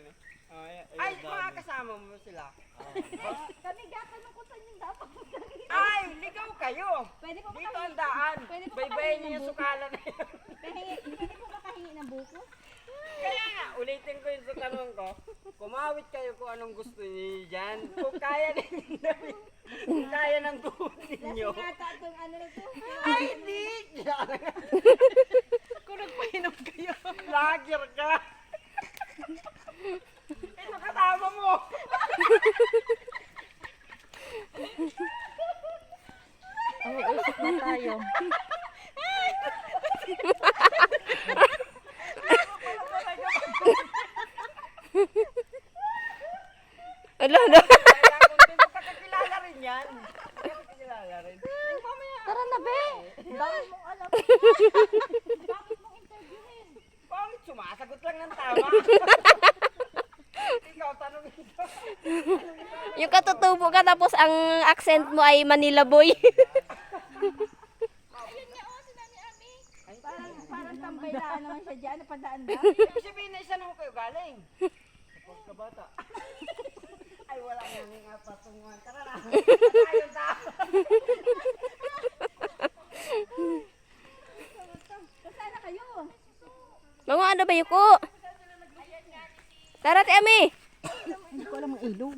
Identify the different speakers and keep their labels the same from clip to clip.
Speaker 1: Ay, mga kasama mo sila.
Speaker 2: Kami gatanong ko sa inyo dapat.
Speaker 1: Ay, ligaw kayo.
Speaker 2: Pwede po ba
Speaker 1: Dito
Speaker 2: kahingi?
Speaker 1: ang daan.
Speaker 2: Pwede po ba
Speaker 1: Baybayin
Speaker 2: kahingi
Speaker 1: niyo
Speaker 2: ng
Speaker 1: yung
Speaker 2: buko?
Speaker 1: sukalan na yun.
Speaker 2: Pwede po ba kahingi ng buko?
Speaker 1: Kaya nga, ulitin ko yung sa tanong ko. Kumawit kayo kung anong gusto niyo dyan. Kung kaya ninyo, kung kaya ng tuhod ninyo.
Speaker 2: Lasing ata itong ano na to.
Speaker 1: Ay, hindi!
Speaker 3: Kung nagpainom kayo.
Speaker 1: Lager ka! Ito kasama mo!
Speaker 2: Usap na tayo.
Speaker 4: Ala, ala.
Speaker 1: Kaya kung di mo kakakilala rin yan. Kakakilala rin.
Speaker 2: Tara na, be! Bakit mong alam? Bakit mong interviewin?
Speaker 1: Bakit sumasagot lang ng tama? Ikaw, tanongin ko.
Speaker 4: Yung katutubo ka tapos ang accent mo ay Manila boy.
Speaker 2: Parang tambay laan naman siya dyan. Napadaan ba?
Speaker 1: Ibig sabihin na isa na kayo galing. Kapag kabata. Ay, wala nga nga patungan. Tara na. Tayo na.
Speaker 2: Kasana kayo?
Speaker 4: Mga ano ba yuko? Tara, ti Ami.
Speaker 2: Hindi ko alam ang ilong.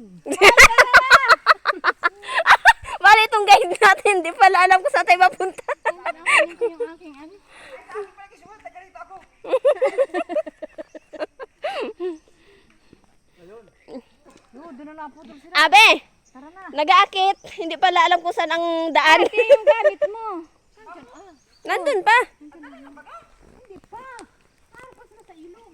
Speaker 4: Bali itong guide natin. Di pala alam kung saan tayo mapunta.
Speaker 2: Ano ko yung aking ano?
Speaker 1: Ay, ako pala kisulat. Tagalito ako.
Speaker 2: Doon na lang po sila.
Speaker 4: Abe,
Speaker 2: Tara na.
Speaker 4: nag-aakit. Hindi pala alam kung saan ang daan.
Speaker 2: Ito yung gamit mo.
Speaker 4: Nandun pa.
Speaker 2: Hindi pa. Parang pa sila sa ilong.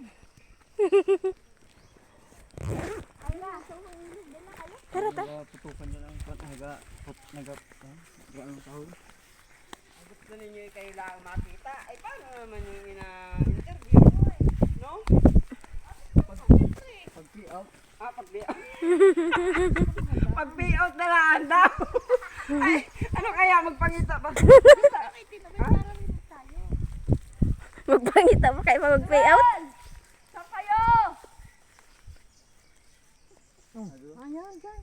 Speaker 5: Tutukan niya lang po. Nag-ano tahol.
Speaker 1: Gusto ninyo kayo lang makita. Ay, paano naman yung ina-interview? No?
Speaker 5: Pag-out.
Speaker 1: Ah, pag-payout. Pag-payout na lang daw. Ay, ano kaya magpangita ba?
Speaker 4: Magpangita mo kayo mag-pay out.
Speaker 2: Saan kayo? Ayan, dyan.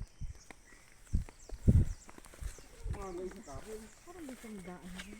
Speaker 2: Parang may sandaan.